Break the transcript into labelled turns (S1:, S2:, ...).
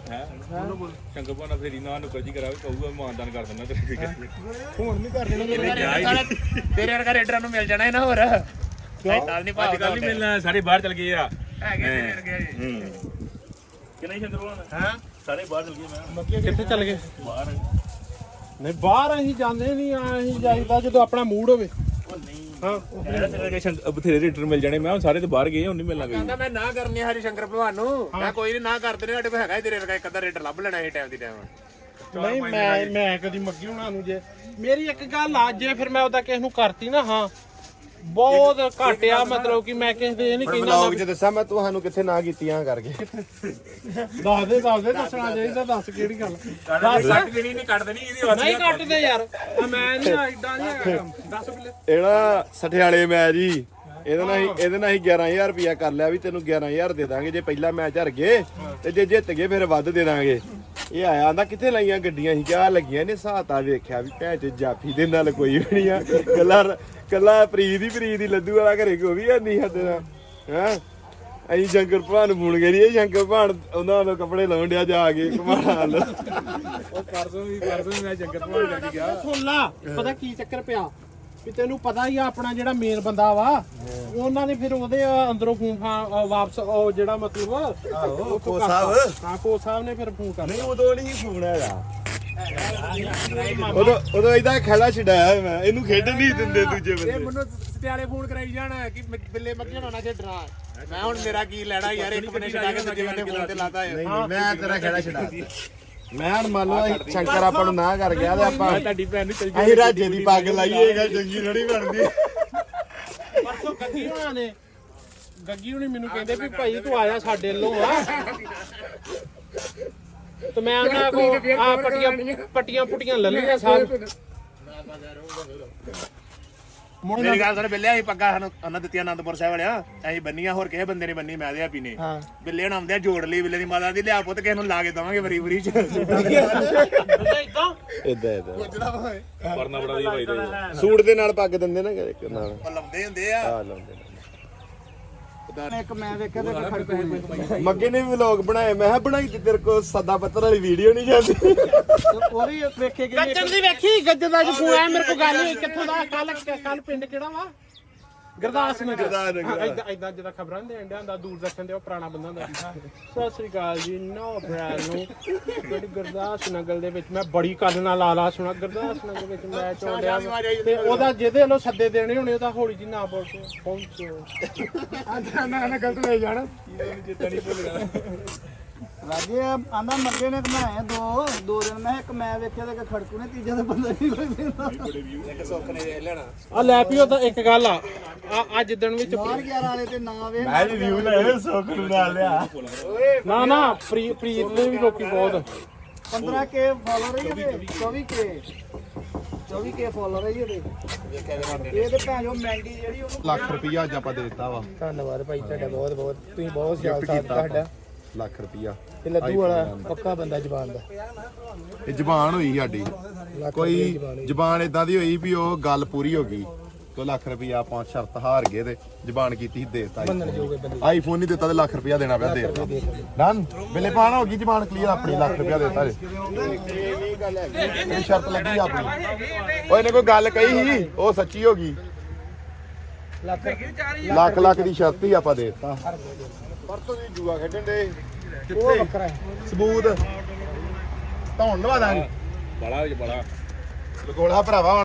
S1: ਸ਼ੰਕਰ ਭਾਣਾ ਫੇਰੀ ਨਾ ਨੁਕਰ ਜੀ ਕਰਾਵੇ ਕਹੂਗਾ ਮਾਨਦਾਨ ਕਰ ਦਿੰਦਾ ਤੇਰੇ
S2: ਹੁਣ ਨਹੀਂ ਕਰ ਦੇਣਾ
S3: ਤੇਰੇ ਵਰਗਾ ਰੇਡਰਾਂ ਨੂੰ ਮਿਲ ਜਾਣਾ ਹੈ ਨਾ ਹੋਰ ਨਾਲ ਨਹੀਂ
S1: ਅੱਜ ਕੱਲ ਨਹੀਂ ਮਿਲਣਾ ਸਾਰੇ ਬਾਹਰ ਚਲ ਗਏ ਆ
S3: ਹੈਗੇ ਤੇਰੇ ਵਰਗੇ
S1: ਕਿ ਨਹੀਂ ਸ਼ੰਕਰ ਭਾਣਾ
S3: ਹਾਂ
S1: ਸਾਰੇ ਬਾਹਰ ਚਲ ਗਏ ਮੈਂ
S2: ਕਿੱਥੇ ਚੱਲ ਗਏ
S1: ਬਾਹਰ
S2: ਨਹੀਂ ਬਾਹਰ ਅਸੀਂ ਜਾਂਦੇ ਨਹੀਂ ਅਸੀਂ ਜਾਈਦਾ ਜਦੋਂ ਆਪਣਾ ਮੂਡ ਹੋਵੇ
S1: ਉਹ ਨਹੀਂ
S2: ਹਾਂ
S1: ਬਥੇਰੇ ਰੇਡਰ ਮਿਲ ਜਾਣੇ ਮੈਂ ਹੁਣ ਸਾਰੇ ਤੇ ਬਾਹਰ ਗਏ ਹੁਣ ਨਹੀਂ ਮਿਲਣਾ
S3: ਕਹਿੰਦਾ ਮੈਂ ਨਾ ਕਰਨੀ ਹਰੀ ਸ਼ੰਕਰ ਭਲਵਾਨ ਨੂੰ ਮੈਂ ਕੋਈ ਨਹੀਂ ਨਾ ਕਰਦੇ ਨੇ ਸਾਡੇ ਕੋਲ ਹੈਗਾ ਤੇਰੇ ਵਰਗਾ ਇੱਕ ਅੱਧਾ ਰੇਡਰ ਲੱਭ ਲੈਣਾ ਇਹ ਟਾਈਮ ਦੀ ਟਾਈਮ
S2: ਨਹੀਂ ਮੈਂ ਕਦੀ ਮੱਗੀ ਹੁਣਾਂ ਨੂੰ ਜੇ ਮੇਰੀ ਇੱਕ ਗੱਲ ਆ ਜੇ ਫਿਰ ਮੈਂ ਉਹਦਾ ਕਿਸੇ ਨੂੰ ਕਰਤੀ ਨਾ ਹਾਂ ਬਹੁਤ ਘੱਟ ਆ ਮਤਲਬ ਕਿ ਮੈਂ ਕਿਸੇ ਦੇ ਇਹ ਨਹੀਂ ਕਹਿੰਦਾ
S4: ਵਲੌਗ 'ਚ ਦੱਸਾਂ ਮੈਂ ਤੁਹਾਨੂੰ ਕਿੱਥੇ ਨਾ ਕੀਤੀਆਂ ਕਰਕੇ
S2: ਦੱਸ ਦੇ ਦੱਸਣਾ ਚਾਹੀਦਾ ਦੱਸ ਕਿਹੜੀ ਗੱਲ
S3: ਸੱਟ ਜਿਹੜੀ ਨਹੀਂ ਕੱਢ ਦੇਣੀ ਇਹਦੀ
S2: ਨਹੀਂ ਕੱਟਦੇ ਯਾਰ ਮੈਂ ਨਹੀਂ ਐਡਾ ਨਹੀਂ ਹੈਗਾ ਕੰਮ ਦੱਸ ਬਿੱਲੇ
S4: ਇਹਦਾ ਸਠਿਆਲੇ ਮੈਚ ਜੀ ਇਹਦੇ ਨਾਲ ਹੀ 11000 ਰੁਪਇਆ ਕਰ ਲਿਆ ਵੀ ਤੈਨੂੰ 11000 ਦੇ ਦਾਂਗੇ ਜੇ ਪਹਿਲਾ ਮੈਚ ਹਾਰ ਗਏ ਤੇ ਜੇ ਜਿੱਤ ਗਏ ਫਿਰ ਵੱਧ ਦੇ ਦਾਂਗੇ ਇਹ ਆਇਆ ਆਂਦਾ ਕਿੱਥੇ ਲਾਈਆਂ ਗੱਡੀਆਂ ਸੀ ਕਿਆ ਲੱਗੀਆਂ ਨੇ ਸਾਤਾ ਵੇਖਿਆ ਵੀ ਭੈਣ ਚ ਜਾਫੀ ਦੇ ਨਾਲ ਕੋਈ ਵੀ ਨਹੀਂ ਆ ਕੱਲਾ ਪ੍ਰੀਤ ਹੀ ਲੱਦੂ ਵਾਲਾ ਘਰੇ ਕੋਈ ਵੀ ਨਹੀਂ ਸਾਡੇ ਨਾਲ ਹੈ ਅਸੀਂ ਸ਼ੰਕਰ ਭਾਣ ਨੂੰ ਫੋਨ ਕਰੀਏ ਸ਼ੰਕਰ ਭਾਣ ਉਹਨਾਂ ਨੂੰ ਕੱਪੜੇ ਲਾਉਣ ਡਿਆ ਜਾ ਕੇ ਕਮਾਲ
S1: ਉਹ ਪਰਸੋਂ ਮੈਂ ਸ਼ੰਕਰ ਭਾਣਾ ਕਰਕੇ ਗਿਆ
S2: ਸੁਣ ਲਾ ਪਤਾ ਕੀ ਚੱਕਰ ਪਿਆ ਵੀ ਤੈਨੂੰ ਪਤਾ ਹੀ ਆ ਆਪਣਾ ਜਿਹੜਾ ਮੇਨ ਬੰਦਾ ਵਾ ਉਹਨਾਂ ਨੇ ਫਿਰ ਉਹਦੇ ਅੰਦਰੋਂ ਫੋਨ ਵਾਪਸ ਉਹ ਜਿਹੜਾ ਮਤਲਬ
S4: ਕੋ ਸਾਹਿਬ
S2: ਹਾਂ ਕੋ ਸਾਹਿਬ ਨੇ ਫਿਰ ਫੋਨ ਕਰ
S4: ਨਹੀਂ ਉਦੋਂ ਨਹੀਂ ਫੋਨ ਹੈਗਾ ਉਦੋਂ ਇਹਦਾ ਖੇੜਾ ਛਡਾਇਆ ਮੈਂ ਇਹਨੂੰ ਖੇਡਣ ਨਹੀਂ ਦਿੰਦੇ ਦੂਜੇ
S3: ਇਹ
S4: ਬੰਦੇ
S3: ਮੈਨੂੰ ਸਟਿਆਲੇ ਫੋਨ ਕਰਾਈ ਜਾਣਾ ਕਿ ਬਿੱਲੇ ਮੱਕੀਆਂ ਹੋਣਾ ਛੱਡਣਾ ਮੈਂ ਹੁਣ ਮੇਰਾ ਕੀ ਲੈਣਾ ਯਾਰ ਇੱਕ ਬੰਨੇ ਛਡਾ ਕੇ ਦੂਜੇ ਬੰਨੇ ਫੋਨ ਤੇ ਲਾਤਾ ਹੈ
S4: ਨਹੀਂ ਮੈਂ ਤੇਰਾ ਖੇੜਾ ਛਡਾ ਮੈਂ ਹੁਣ ਮੰਨ ਲਓ ਸ਼ੰਕਰ ਆਪਾਂ ਨੂੰ ਨਾ ਕਰ ਗਿਆ ਤੇ ਆਪਾਂ
S1: ਤੁਹਾਡੀ ਭੈਣ ਨੂੰ ਚਲ
S4: ਅਸੀਂ ਰਾਜੇ ਦੀ ਪੱਗ ਲਾਈਏਗਾ ਚੰਗੀ ਥੋੜੀ ਬਣਦੀ
S2: ਪਰਸੋਂ ਗੱਗੀ ਹੁਣੀ ਮੈਨੂੰ ਕਹਿੰਦੇ ਵੀ ਭਾਈ ਤੂੰ ਆਇਆ ਸਾਡੇ ਵੱਲੋਂ ਆ ਤੇ ਮੈਂ ਉਹਨਾਂ ਕੋ ਆ ਪੱਟੀਆਂ ਪੁੱਟੀਆਂ ਲੈ ਲਈਆਂ ਸਾਰ
S3: ਮੇਰੀ ਗੱਲ ਸੁਣ ਬਿੱਲੇ ਅਸੀਂ ਪੱਗਾ ਸਾਨੂੰ ਉਹਨਾਂ ਦਿੱਤੀਆਂ ਆਨੰਦਪੁਰ ਸਾਹਿਬ ਵਾਲਿਆ ਅਸੀਂ ਬੰਨੀਆਂ ਹੋਰ ਕਿਸੇ ਬੰਦੇ ਨੇ ਬੰਨੀ ਮੈਂ ਤੇ ਆਪੀ ਨੇ ਬਿੱਲੇ ਹੁਣ ਆਉਂਦੇ ਆ ਜੋੜ ਲਈ ਬਿੱਲੇ ਦੀ ਮਾਤਾ ਦੀ ਲਿਆ ਪੁੱਤ ਕਿਸੇ ਨੂੰ ਲਾ ਕੇ ਦਵਾਂਗੇ ਵਰੀ ਚ
S4: ਇਦਾਂ
S1: ਪਰਨਾ ਬੜਾ ਦੀ ਭਾਈ ਦਾ
S4: ਸੂਟ ਦੇ ਨਾਲ ਪੱਗ ਦਿੰਦੇ ਨਾ ਇੱਕ ਨਾਲ
S3: ਉਹ ਲਾਉਂਦੇ ਹੁੰਦੇ ਆ
S4: ਆ ਲਾਉਂਦੇ
S2: ਇੱਕ ਮੈਂ ਵੇਖਿਆ ਤੇ ਖੜਕੂ
S4: ਮੱਗੇ ਨੇ ਵੀ ਵਲੌਗ ਬਣਾਏ ਮੈਂ ਕਿਹਾ ਬਣਾਈ ਤੇ ਤੇਰੇ ਕੋਲ ਸਦਾ ਪੱਤਰ ਵਾਲੀ ਵੀਡੀਓ ਨਹੀਂ ਜਾਂਦੀ
S2: ਉਹ ਵੀ ਵੇਖੇ ਕਿ ਗੱਜਣ ਦੀ ਵੇਖੀ ਗੱਜਣ ਦਾ ਫੋਨ ਆਇਆ ਮੇਰੇ ਕੋਲ ਗੱਲ ਕਿੱਥੋਂ ਦਾ ਕੱਲ ਪਿੰਡ ਕਿਹੜਾ ਵਾ ਗੁਰਦਾਸ ਨਗਰ ਇਦਾਂ ਜਿਹੜਾ ਖਬਰਾਂ ਦੇ ਅੰਡਿਆਂ ਦਾ ਦੂਰ ਰੱਖਣ ਦੇ ਉਹ ਪੁਰਾਣਾ ਬੰਦਾ ਹੁੰਦਾ ਸਤਿ ਸ੍ਰੀ ਅਕਾਲ ਜੀ ਨੋ ਬ੍ਰਾਂਡ ਨੂੰ ਜਿਹੜੀ ਗੁਰਦਾਸ ਨਗਰ ਦੇ ਵਿੱਚ ਮੈਂ ਬੜੀ ਕੰਨ ਨਾਲ ਲਾ ਸੁਣਾ ਗੁਰਦਾਸ ਨਗਰ ਵਿੱਚ ਮੈਚ ਹੋ ਰਿਹਾ ਤੇ ਉਹਦਾ ਜਿਹਦੇ ਵੱਲੋਂ ਸੱਦੇ ਦੇਣੇ ਹੋਣੇ ਉਹਦਾ ਹੌਲੀ ਜੀ ਨਾ ਬੋਲ ਕੇ ਪਹੁੰਚੋ
S3: ਨਾ ਗਲਤ ਲੈ ਜਾਣਾ
S1: ਚੇਤਾ ਨਹੀਂ ਭੁੱਲ ਗਿਆ
S5: ਰਾਜੇ ਆਂਦਾ ਮੱਗੇ ਨੇ ਘਮਾਇਆ ਦੋ ਦਿਨ ਮੈਂ ਇੱਕ ਮੈਂ ਵੇਖਿਆ ਤੇ ਇੱਕ ਖੜਕੂ ਨੇ ਤੀਜਾ ਤਾਂ ਬੰਦਾ ਨਹੀਂ ਕੋਈ ਵੇਖਦਾ
S3: ਇੱਕ ਸੁੱਖ ਨੇ ਵੇਖ ਲੈਣਾ
S2: ਆ ਲੈ ਪਿਓ ਤਾਂ ਇੱਕ ਗੱਲ ਆ ਜਿੱਦਣ ਵਿੱਚ
S5: ਬਾਹਰ 11 ਵਾਲੇ ਤੇ ਨਾ ਵੇਖ
S4: ਮੈਂ ਰਿਵਿਊ ਲੈ ਸੋਕ ਨੂੰ ਨਾਲ ਲਿਆ
S2: ਨਾ ਪ੍ਰੀਤ ਦੇ ਵੀ ਲੋਕੀ ਬਹੁਤ
S5: 15K ਫਾਲੋਅਰ ਹੀ ਇਹਦੇ 24K ਫਾਲੋਅਰ ਹੀ ਇਹਦੇ ਇਹ ਤੇ ਭੈਣ ਜੋ ਮਹਿੰਗੀ ਜਿਹੜੀ ਉਹਨੂੰ
S4: ਲੱਖ ਰੁਪਈਆ ਅੱਜ ਆਪਾਂ ਦੇ ਦਿੱਤਾ ਵਾ
S5: ਧੰਨਵਾਦ ਭਾਈ ਤੁਹਾਡਾ ਬਹੁਤ ਤੁਸੀਂ ਬਹੁਤ ਸਿਆਲ ਸਾਥ ਤੁਹਾਡਾ
S4: ਲੱਖ ਰੁਪਈਆ
S5: ਤੇ ਲੱਦੂ ਵਾਲਾ ਪੱਕਾ ਬੰਦਾ ਜ਼ਬਾਨ ਦਾ
S4: ਇਹ ਜ਼ਬਾਨ ਹੋਈ ਸਾਡੀ ਕੋਈ ਜ਼ਬਾਨ ਇਦਾਂ ਦੀ ਹੋਈ ਵੀ ਉਹ ਗੱਲ ਪੂਰੀ ਹੋ ਗਈ ਤੇ ਲੱਖ ਰੁਪਈਆ ਆਪਾਂ ਸ਼ਰਤ ਹਾਰ ਗਏ ਤੇ ਜ਼ਬਾਨ ਕੀਤੀ ਦੇਤਾ ਆਈਫੋਨ ਨਹੀਂ ਦਿੱਤਾ ਤੇ ਲੱਖ ਰੁਪਈਆ ਦੇਣਾ ਪਿਆ ਦੇਤਾ ਡਨ ਬਿੱਲੇ ਪਾਣਾ ਹੋ ਗਈ ਜ਼ਬਾਨ ਕਲੀਅਰ ਆਪਣੀ ਲੱਖ ਰੁਪਈਆ ਦੇਤਾ ਇਹ ਸ਼ਰਤ ਲੱਗੀ ਆਪਣੀ ਓਏ ਇਹਨੇ ਕੋਈ ਗੱਲ ਕਹੀ ਸੀ ਉਹ ਸੱਚੀ ਹੋ ਗਈ ਲੱਖ ਦੀ ਸ਼ਰਤ ਹੀ ਆਪਾਂ ਦੇਤਾ ਪਰਤੋਂ ਦੀ ਜੂਆ ਖੇਡਣ ਦੇ
S5: ਉਹ ਵੱਖਰਾ
S4: ਸਬੂਤ ਧੌਣ ਲਵਾ ਦਾਂਗੇ
S1: ਬੜਾ
S4: ਲਗੋਲਾ ਭਰਾਵਾ